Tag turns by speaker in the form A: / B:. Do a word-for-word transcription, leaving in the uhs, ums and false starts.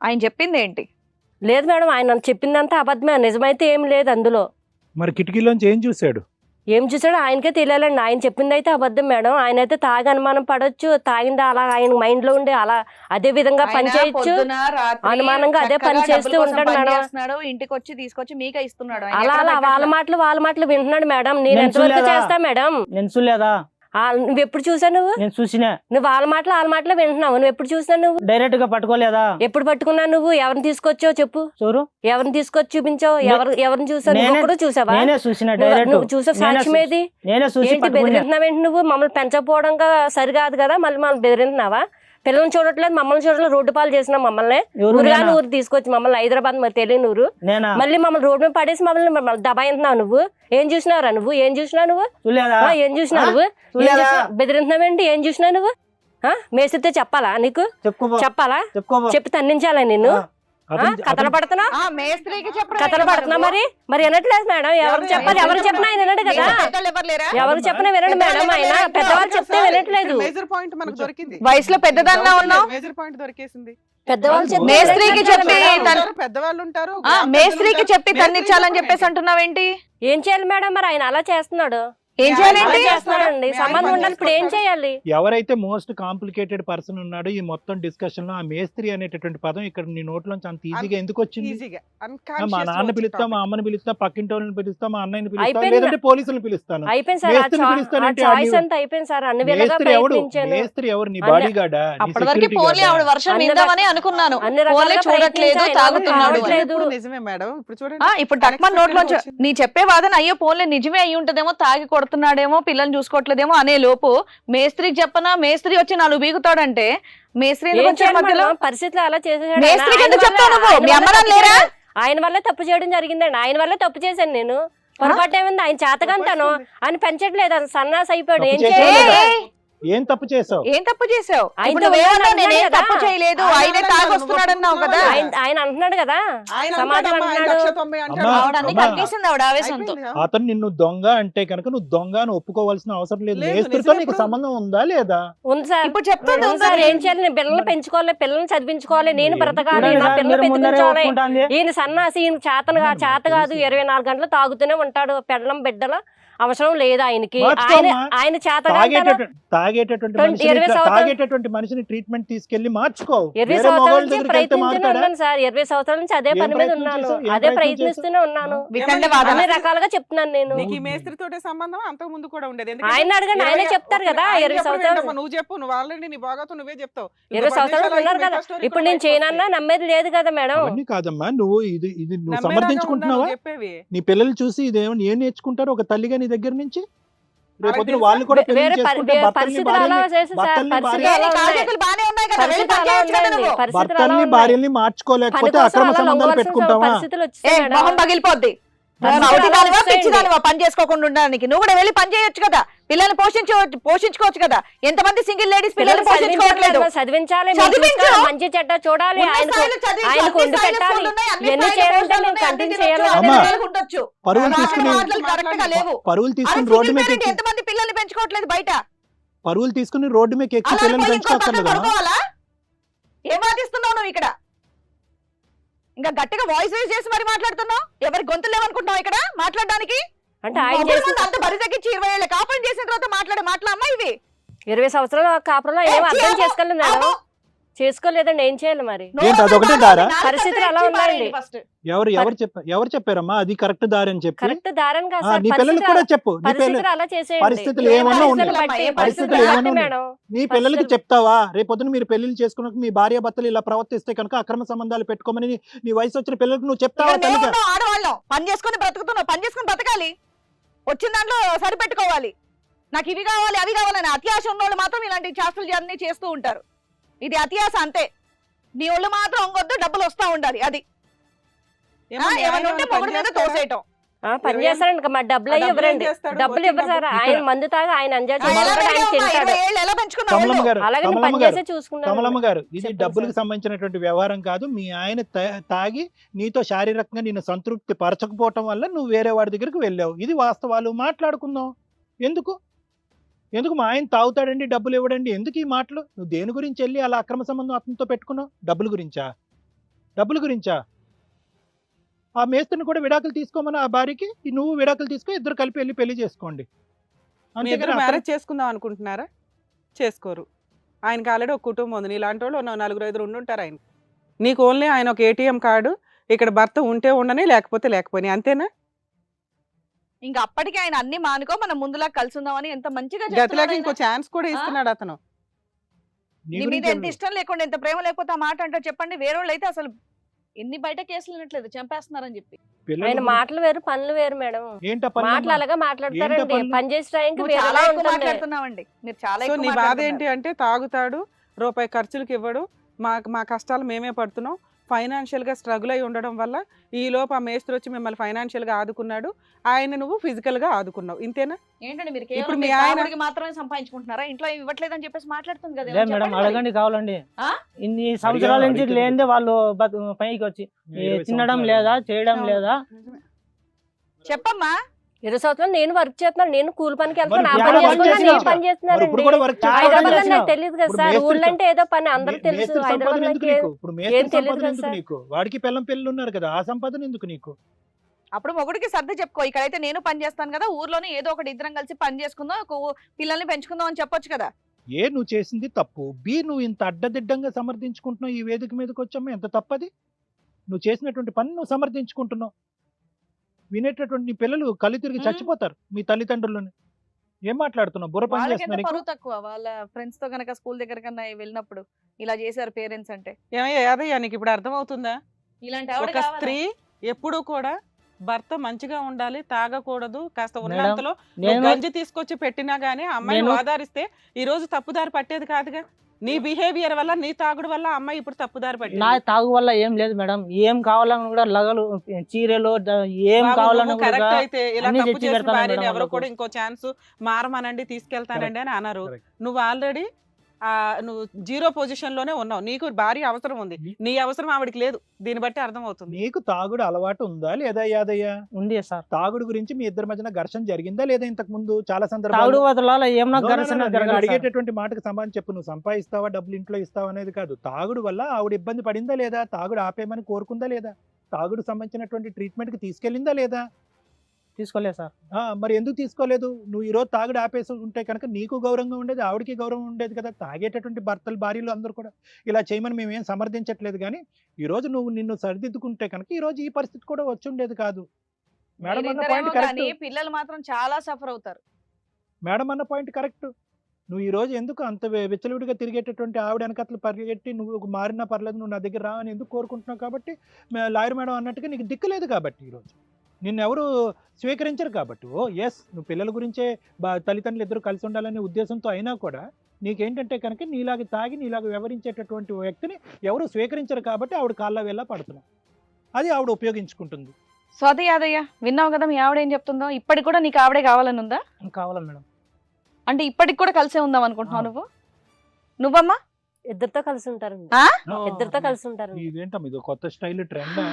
A: ఆయన చెప్పింది ఏంటి?
B: లేదు మేడం, ఆయన చెప్పిందంతా అబద్ధమే, నిజమైతే ఏం లేదు అందులో.
C: మరి కిటికీలోంచి ఏం చూశాడు?
B: ఏం చూసాడో ఆయనకే తెలియాలండి. ఆయన చెప్పింది అయితే అబద్ధం మేడం. ఆయన అయితే తాగి అనుమానం పడవచ్చు, తాగిందా అలా ఆయన మైండ్ లో ఉండి అలా అదే విధంగా పని చేయొచ్చు, అనుమానంగా అదే పని చేస్తూ ఉంటాడు మేడం.
A: ఇంటికి వచ్చి తీసుకొచ్చి మీకే ఇస్తున్నాడు.
B: అలా అలా వాళ్ళ మాటలు వాళ్ళ మాటలు వింటున్నాడు మేడం. నేను ఎంతవరకు చేస్తా మేడం?
D: నేను చూడలేదా?
B: నువ్వు ఎప్పుడు చూసావు? నువ్వు
D: నేను చూసినా.
B: నువ్వు వాళ్ళ మాటలు వాళ్ళ మాటలు వింటున్నావు. నువ్వు ఎప్పుడు చూసావు? నువ్వు
D: డైరెక్ట్ గా పట్టుకోలేదా?
B: ఎప్పుడు పట్టుకున్నావు? నువ్వు ఎవరిని తీసుకొచ్చావు చెప్పు?
D: చూరు,
B: ఎవరిని తీసుకొచ్చి చూపించావు? ఎవరు ఎవరిని చూసావు? నువ్వు కూడా చూసావా?
D: నేనే చూసినా. డైరెక్ట్
B: నువ్వు చూసావు? సాక్ష్యం ఏది?
D: నేనే చూసి
B: బెదిరింటున్నావు ఏంటి? నువ్వు మమ్మల్ని పెంచకపోవడం సరికాదు కదా, మళ్ళీ మమ్మల్ని బెదిరింటున్నావా? పిల్లల్ని చూడట్లేదు, మమ్మల్ని చూడట్లేదు, రోడ్డు పాలు చేసినావు మమ్మల్ని. ఊరుగాని ఊరు తీసుకొచ్చి మమ్మల్ని హైదరాబాద్ మరి తెలియని ఊరు మళ్ళీ మమ్మల్ని రోడ్డు మీద పడేసి మమ్మల్ని దబాయింటున్నావు. నువ్వు ఏం చూసినావురా? నువ్వు ఏం చూసినావు? నువ్వు ఏం చూసినావు? నువ్వు బెదిరింటున్నావేంటి? ఏం చూసినావు నువ్వు? మేసితే చెప్పాలా నీకు? చెప్పాలా? చెప్పి తన్నించాలా నిన్ను? కథలు పడుతున్నా కథలు పడుతున్నా మరి మరి వినట్లేదు మేడం. ఎవరు చెప్పాలి? ఎవరు చెప్పినా ఆయన వినడు కదా. ఎవరు చెప్పినా వినడు మేడం. ఆయన పెద్దవాళ్ళు చెప్తే వినట్లేదు.
A: వయసులో పెద్దదాన్నా ఉన్నావు.
B: పెద్దవాళ్ళు
A: మేస్త్రికి చెప్పి పెద్దవాళ్ళు ఉంటారు. మేస్త్రికి చెప్పి తన్నిచ్చాలని చెప్పేసి అంటున్నావేంటి?
B: ఏం చేయాలి మేడం? మరి ఆయన అలా చేస్తున్నాడు.
A: ఏం చేయాలండి?
B: చేస్తున్నాడండి, సంబంధం ఉండాలి. ఇప్పుడు ఏం చేయాలి?
C: ఎవరైతే మోస్ట్ కాంప్లికేటెడ్ పర్సన్ ఉన్నాడో ఈ మొత్తం డిస్కషన్ లో, ఆ మేస్త్రి అనేటటువంటి పదం ఇక్కడ నీ నోట్లోంచి అంత ఈజీగా ఎందుకు వచ్చింది? మా నాన్న పిలుస్తా, మా అమ్మని పిలుస్తా, పక్కింటి వాళ్ళని పిలుస్తా, మా అన్నయ్యని పిలుస్తా, లేదంటే పోలీసులను పిలుస్తాను.
B: అయిపోయింది సార్,
C: మేస్త్రి ఎవరు? నీ బాడీ గార్డా?
A: అనుకున్నాను. చూడట్లేదు, తాగుతున్నాడు. ఇప్పుడు టక్మన్ నోట్లోంచి నీ చెప్పే వాదన అయ్యో పోలే నిజమే అయ్యి ఉంటదేమో, తాగి కొడుతున్నాడేమో, పిల్లల్ని చూసుకోవట్లేదేమో అనే లోపు మేస్త్రికి చెప్పనా, మేస్త్రి వచ్చి నాలుగు బీగుతాడంటే మేస్త్రి
B: పరిస్థితులు అలా చేసేసాడు. ఆయన వల్ల తప్పు చేయడం జరిగిందండి. ఆయన వల్ల తప్పు చేశాను నేను. పొరపాటు ఏమైంది? ఆయన చేతకంటాను ఆయన పెంచట్లేదు, ఆయన సన్నాసి అయిపోయాడు. ఏం చేయాలి?
C: ఏం తప్పు చేసావు?
A: ఏం తప్పు చేసావు? తప్పు చేయలేదు, ఆయనే తాగొస్తున్నాడన్నావు కదా.
B: ఆయన అంటున్నాడు కదా, సమాజం
C: అతను నిన్ను దొంగ అంటే కనుక నువ్వు దొంగ అని ఒప్పుకోవాల్సిన అవసరం లేదు. మేస్త్రితో నీకు సంబంధం ఉందా లేదా?
B: ఉంది సార్. ఇప్పుడు చెప్తాను సార్, ఏం చేయాలి? నేను పిల్లల్ని పెంచుకోవాలి, పిల్లల్ని చదివించుకోవాలి, నేను బ్రతకాలి, నా పిల్లలు పెంచుకోవాలి. ఈయన సన్నాసి, ఈయన చేతను చేత కాదు, ఇరవై నాలుగు గంటలు తాగుతూనే ఉంటాడు. పెళ్ళం బిడ్డల అవసరం లేదు ఆయనకి. ఆయన ఆయన చేత
C: తాగేటటువంటి మనిషిని ట్రీట్మెంట్ తీసుకెళ్లి మార్చుకో.
B: ఇరవై సంవత్సరాల నుంచి ప్రయత్నిస్తూనే ఉన్నాను సార్. ఇరవై సంవత్సరాల నుంచి అదే పని మీద ఉన్నాను, అదే ప్రయత్నిస్తూనే ఉన్నాను. అన్ని రకాలుగా చెప్తున్నాను నేను.
E: సంబంధం అంతకు ముందు కూడా ఉండేది.
B: ఆయన అడగండి, ఆయనే చెప్తారు కదా. ఇరవై సంవత్సరాలు
E: నువ్వు చెప్పు, నువ్వు ఆల్రెడీ నీ బాగాతో నువ్వే చెప్తావు.
B: ఇరవై సంవత్సరాలు ఉన్నారు కదా. ఇప్పుడు నేను చేయనన్నా నమ్మేది లేదు కదా మేడం.
C: కాదమ్మా, నువ్వు ఇది ఇది నువ్వు సమర్థించుకుంటున్నావా? నీ పిల్లలు చూసి ఇదేమో ఏం నేర్చుకుంటారు ఒక తల్లిగా నీ దగ్గర నుంచి? రేపొద్దున వాళ్ళు కూడా భర్తల్ని భార్యల్ని మార్చుకోలేకపోతే అక్రమ సంబంధాలు పెట్టుకుంటావా?
A: పగిలిపోద్ది. పని చేసుకోకుండా ఉండడానికి నువ్వు కూడా వెళ్ళి పని చేయొచ్చు కదా. పిల్లల్ని పోషించవచ్చు పోషించుకోవచ్చు కదా. ఎంతమంది సింగిల్ లేడీస్ పిల్లల్ని పోషించుకోవట్లేదు.
B: చదివించాలి, మంచి చెడ్డ చూడాలి, ఆయనకు వండి పెట్టాలి, ఇవన్నీ చేయాలంటే నేను కంటిన్యూ చేయాలి.
C: పరువులు తీసుకుని పరువులు తీసుకుని రోడ్డు మీద
A: ఎంతమంది పిల్లల్ని పెంచుకోవట్లేదు బయట?
C: పరువులు తీసుకుని రోడ్డు మీద ఎక్కి పిల్లల్ని పెంచుకోవాలి.
A: ఏం వాదిస్తున్నావు నువ్వు ఇక్కడ? ఇంకా గట్టిగా వాయిస్ రేజ్ చేసి మరి మాట్లాడుతున్నావు. ఎవరి గొంతులు ఏమనుకుంటున్నావు ఇక్కడ మాట్లాడడానికి?
B: అంటే ఆయన
A: అంత బరి తగ్గించి ఇరవై ఏళ్ళ కాపురం చేసిన తర్వాత మాట్లాడే మాటలమ్మా ఇవి.
B: ఇరవై సంవత్సరాల కాపురంలో ఏం అర్థం చేసుకోలేదు మేడం. చేసుకోలేదండి, ఏం చేయాలి మరి? పరిస్థితులు అలా ఉన్నాయండి.
C: ఎవరు ఎవరు చెప్పారు ఎవరు చెప్పారమ్మా అది కరెక్ట్ దారి అని చెప్పి?
B: కరెక్ట్ దారి అని కాదు,
C: నీ పిల్లలకు కూడా చెప్పు.
B: పరిస్థితులు అలా చేసేయండి.
C: పరిస్థితులు ఏమన్నా ఉన్నాయి, పరిస్థితులు ఏమన్నా ఉన్నాయి. నీ పిల్లలకి చెప్తావా? రేపొద్దున మీరు పెళ్లిళ్ళు చేసుకున్నాక మీ భార్య భర్తలు ఇలా ప్రవర్తిస్తే కనుక అక్రమ సంబంధాలు పెట్టుకోమని నీ వయసు వచ్చిన పిల్లలకు నువ్వు చెప్తావా?
A: ఆడవాళ్ళం పని చేసుకుని బ్రతుకుతున్నావు, పని చేసుకుని బ్రతకాలి, వచ్చిన దాంట్లో సరిపెట్టుకోవాలి. నాకు ఇవి కావాలి అవి కావాలని అత్యాశ ఉన్నోళ్ళు మాత్రం ఇలాంటి చేష్టలు అన్ని చేస్తూ ఉంటారు. ఇది అత్యాశ అంతే. నీ ఒళ్ళు మాత్రం ఇంకొద్దు, డబ్బులు వస్తా ఉండాలి. అది పని చేస్తారండి, మా డబ్బులు అయ్యి ఇవ్వరండి, డబ్బులు ఇవ్వరు సార్. ఆయన మందు తాగా ఆయన ఎంజాయ్ అలాగే పని చేసే చూసుకుంటాం.
C: కమలమ్మ గారు, ఇది డబ్బులకు సంబంధించినటువంటి వ్యవహారం కాదు. మీ ఆయన తాగి నీతో శారీరకంగా నిన్ను సంతృప్తి పరచకపోవటం వల్ల నువ్వు వేరే వాడి దగ్గరికి వెళ్ళావు. ఇది వాస్తవాలు. మాట్లాడుకుందాం. ఎందుకు ఎందుకు మా ఆయన తాగుతాడండి డబ్బులు ఇవ్వడండి, ఎందుకు ఈ మాటలు? నువ్వు దేని గురించి వెళ్ళి అలా అక్రమ సంబంధం అతనితో పెట్టుకున్నావు? డబ్బుల గురించా? డబ్బుల గురించా? ఆ మేస్త్రిని కూడా విడాకులు తీసుకోమని ఆ భార్యకి ఈ నువ్వు విడాకులు తీసుకో, ఇద్దరు కలిపి వెళ్ళి పెళ్లి చేసుకోండి.
E: మీ
C: అంతేగాని
E: ఇద్దరు
C: అతను-
E: మ్యారేజ్ చేసుకుందాం అనుకుంటున్నారా? చేసుకోరు. ఆయనకి ఆల్రెడీ ఒక కుటుంబం ఉంది. నీలాంటి వాళ్ళు ఉన్న నలుగురు ఐదుగురు ఉండుంటారు ఆయన. నీకు ఓన్లీ ఆయన ఒక ఏటీఎం కార్డు, ఇక్కడ భర్త ఉంటే ఉండని లేకపోతే లేకపోయినా, అంతేనా?
A: ఇంకా అప్పటికి ఆయన అన్ని మానుకో మనం ముందులా కలిసి ఉందామని ఎంత మంచిగా
E: గతిలాగా
A: చెప్తున్నాడు
E: ఇంకో
A: ఆయన.
E: ఛాన్స్ కూడా ఇస్తున్నాడు అతను.
C: నీ
A: నీ మీద
C: గురించి
A: ఎంత ఇష్టం లేకుండా ఎంత ప్రేమ లేకపోతే ఆ మాట అంటారు చెప్పండి. వేరే వాళ్ళు అయితే అసలు ఎన్ని బయట కేసులు వినట్లేదు, చంపేస్తున్నారని చెప్పి.
C: పిల్లల
B: ఆయన
C: గురించి-
B: మాటలు వేరు పనులు వేరు మేడం.
C: ఏంటా పనులు
B: మాటలు
C: అమ్మా?
B: అలాగా మాట్లాడతారండి.
C: ఏంటో పనులు?
B: పని చేసే టైంకి
A: నువ్వు చాలా
B: వేరేలా
A: ఎక్కువ
B: ఉంటుంది.
A: మాట్లాడుతున్నావండి, మీరు చాలా
E: సో
A: ఎక్కువ
E: నీ బాధ
A: మాట్లాడుతున్నారు.
E: ఏంటి అంటే తాగుతాడు, రూపాయి ఖర్చులకు ఇవ్వడు, మా మా కష్టాలు మేమే పడుతున్నాం, ఫైనాన్షియల్ గా స్ట్రగుల్ అయి ఉండడం వల్ల ఈ లోపు ఆ మేస్త్రి వచ్చి మిమ్మల్ని ఫైనాన్షియల్ గా ఆదుకున్నాడు, ఆయన నువ్వు ఫిజికల్ గా ఆదుకున్నావు, ఇంతేనా?
A: ఏంటండి మీరు
E: ఇప్పుడు
A: కేవలం
E: మీ
A: మీ
E: ఆయన-
A: తాగుడికి మాత్రమే సంపాదించుకుంటున్నారా? ఇంట్లో ఏమి ఇవ్వట్లేదు అని చెప్పేసి మాట్లాడుతుంది కదా,
D: లే
A: ఏమని
D: మేడం,
A: చెప్పండి మరి.
D: అడగండి కావాలండి.
A: ఆ?
D: ఇన్ని సంవత్సరాల నుంచి
C: అడిగితే
D: లేనిదే వాళ్ళు బతు- పైకి వచ్చి ఏ
C: ఇరవై
D: తినడం
C: సంవత్సరాలు.
D: లేదా, చేయడం
E: అవును.
D: లేదా.
A: చెప్పమ్మా.
B: ఇరవై సంవత్సరాలు నేను వర్క్ చేస్తున్నాను. నేను కూలి పనికి వెళ్తాను, ఆ
C: మరి
B: పని
C: ఇప్పుడు
B: చేస్తున్నా,
C: వర్క్
B: నేను
C: చేస్తున్నావు.
B: పని
C: మరి
B: చేస్తున్నానండి.
C: ఇప్పుడు కూడా వర్క్
D: చాలా
C: చేస్తున్నావు.
B: హైదరాబాద్
D: చేస్తున్నావు.
B: నాకు తెలియదు కదా
C: ఇప్పుడు
B: సార్.
C: మేస్త్రి
B: ఊళ్ళో అంటే ఏదో పని అందరూ
C: మే-
B: తెలుసు.
C: మేస్త్రి సంపాదన
B: హైదరాబాద్
C: ఎందుకు
B: నాకు
C: నీకు? ఇప్పుడు మేస్త్రి
B: ఏం తెలియదు
C: సంపాదన
B: కదా
C: ఎందుకు
B: సార్.
C: నీకు? వాడికి పిల్లం పిల్లలు ఉన్నారు కదా, ఆ సంపాదన ఎందుకు నీకు?
A: అప్పుడు మొగుడికి సర్ది చెప్పుకో, ఇక్కడైతే నేను పని చేస్తాను కదా, ఊర్లోనే ఏదో ఒకటి ఇద్దరం కలిసి పని చేసుకుందాం, ఒక ఊ- పిల్లల్ని పెంచుకుందాం అని చెప్పొచ్చు కదా.
C: ఏ నువ్వు చేసింది తప్పు, బి నువ్వు ఇంత అడ్డదిడ్డంగా సమర్థించుకుంటున్నావు, ఈ వేదిక మీదకి వచ్చామా, ఎంత తప్పది? నువ్వు చేసినటువంటి పని నువ్వు సమర్థించుకుంటున్నావు. వినేటటువంటి నీ పిల్లలు కళ్ళు తిరిగి
A: మ్మ్.
C: చచ్చిపోతారు మీ తల్లిదండ్రులని. ఏం మాట్లాడుతున్నావు? బుర్ర పని
A: వాళ్ళకి ఎంత
C: చేస్తున్నా
A: పరువు తక్కువ, వాళ్ళ ఫ్రెండ్స్ తో కనుక స్కూల్ దగ్గర కన్నా వెళ్ళినప్పుడు ఇలా చేశారు పేరెంట్స్ అంటే.
E: ఏమయ్యా యాదయ్య, నీకు ఇప్పుడు అర్థమవుతుందా?
A: ఇలాంటి ఆవిడ
E: ఒక
A: కావాలా?
E: స్త్రీ ఎప్పుడూ కూడా భర్త మంచిగా ఉండాలి, తాగకూడదు, కాస్త
D: మేడం,
E: ఉన్నంతలో నువ్వు
D: నేను
E: గంజి తీసుకొచ్చి పెట్టినా గానీ ఆ అమ్మాయిని
D: నేను-
E: ఆధారిస్తే ఈ రోజు తప్పుదారి పట్టేది కాదుగా. నీ బిహేవియర్ వల్ల, నీ తాగుడు వల్ల ఆ అమ్మాయి ఇప్పుడు తప్పుదారి
D: నా
E: పట్టింది.
D: తాగు వల్ల ఏం లేదు మేడం. ఏం కావాలని కూడా లగలు, చీరలు, ద- ఏం
E: బాబు,
D: కావాలని
E: నువ్వు
D: కూడా
E: కరెక్ట్ అయితే ఇలా
D: అన్ని
E: తప్పు
D: తెచ్చి
E: చేసిన
D: పెడతాను
E: భార్యని
D: మేడం
E: ఎవరో
D: వాళ్ళకు.
E: కూడా ఇంకో ఛాన్స్ మారమనండి, తీసుకెళ్తానండి అని అన్నారు.
C: Correct.
E: నువ్వు ఆల్రెడీ ఆ నువ్వు జీరో పొజిషన్ లోనే ఉన్నావు. నీకు భార్య అవసరం ఉంది, నీ అవసరం ఆవిడకి లేదు. దీన్ని బట్టి అర్థం అవుతుంది.
C: నీకు తాగుడు అలవాటు ఉందా లేదా యాదయ్య?
D: ఉంది సార్.
C: తాగుడు గురించి మీ ఇద్దరి మధ్యన ఘర్షణ జరిగిందా లేదా ఇంతకు ముందు? చాలా
D: తాగుడు
C: సందర్భాలు
D: వదలాల ఏమన్నా
C: No, no, no,
D: ఘర్షణ
C: no, నేను
D: జరగాలి సార్.
C: అడిగేటటువంటి మాటకు సమాధానం చెప్పు. నువ్వు సంపాదిస్తావా, డబ్బులు ఇంట్లో ఇస్తావా అనేది కాదు. తాగుడు వల్ల ఆవిడ ఇబ్బంది పడిందా లేదా? తాగుడు ఆపేయమని కోరుకుందా లేదా? తాగుడు సంబంధించినటువంటి ట్రీట్మెంట్ కి తీసుకెళ్ళిందా లేదా?
D: తీసుకోలేదు సార్.
C: ఆ, మరి ఎందుకు తీసుకోలేదు? నువ్వు ఈ రోజు తాగుడు ఆపేసి ఉంటే కనుక నీకు గౌరవంగా ఉండేది, ఆవిడకి గౌరవం ఉండేది కదా. తాగేటటువంటి భర్తలు, భార్యలు అందరూ కూడా ఇలా చేయమని మేము ఏం సమర్థించట్లేదు, కానీ ఈ రోజు నువ్వు నిన్ను సరిదిద్దుకుంటే కనుక ఈ రోజు ఈ పరిస్థితి కూడా వచ్చి ఉండేది కాదు. మేడం అన్న
A: మీరిద్దరేమో
C: పాయింట్ కరెక్ట్.
A: కానీ పిల్లలు మాత్రం చాలా సఫర్ అవుతారు.
C: మేడం అన్న పాయింట్ కరెక్ట్. నువ్వు ఈ రోజు ఎందుకు అంత వె- విచ్చలవిడిగా తిరిగేటటువంటి ఆవిడ వెనకట్లు పరిగెట్టి నువ్వు మారినా పర్లేదు, నువ్వు నా దగ్గర రా అని ఎందుకు కోరుకుంటున్నావు? కాబట్టి మే- లాయర్ మేడం అన్నట్టుగా నీకు దిక్కులేదు కాబట్టి ఈరోజు నిన్ను ఎవరు స్వీకరించరు కాబట్టి. ఓ ఎస్, నువ్వు పిల్లల గురించే బా తల్లిదండ్రులు ఇద్దరు కలిసి ఉండాలనే ఉద్దేశంతో అయినా కూడా నీకేంటంటే కనుక నీలాగా తాగి నీలాగా వ్యవహరించేటటువంటి వ్యక్తిని ఎవరు స్వీకరించరు కాబట్టి ఆవిడ కాళ్ళ వేళ పడుతున్నావు. అది ఆవిడ ఉపయోగించుకుంటుంది.
A: స్వాతి యాదయ్య, విన్నావు కదా మీ ఆవిడ ఏం చెప్తుందో. ఇప్పటికి కూడా నీకు ఆవిడే కావాలని ఉందా?
D: కావాలా మేడం?
A: అంటే ఇప్పటికి కూడా కలిసే ఉందాం అనుకుంటున్నావు నువ్వు? నువ్వమ్మా?
B: ఇద్దరితో కలిసి ఉంటారండి.
A: ఆ?
B: ఇద్దరితో కలిసి ఉంటారండి.
C: ఇదేంటమ్మా, ఇది కొత్త స్టైల్ ట్రెండ్.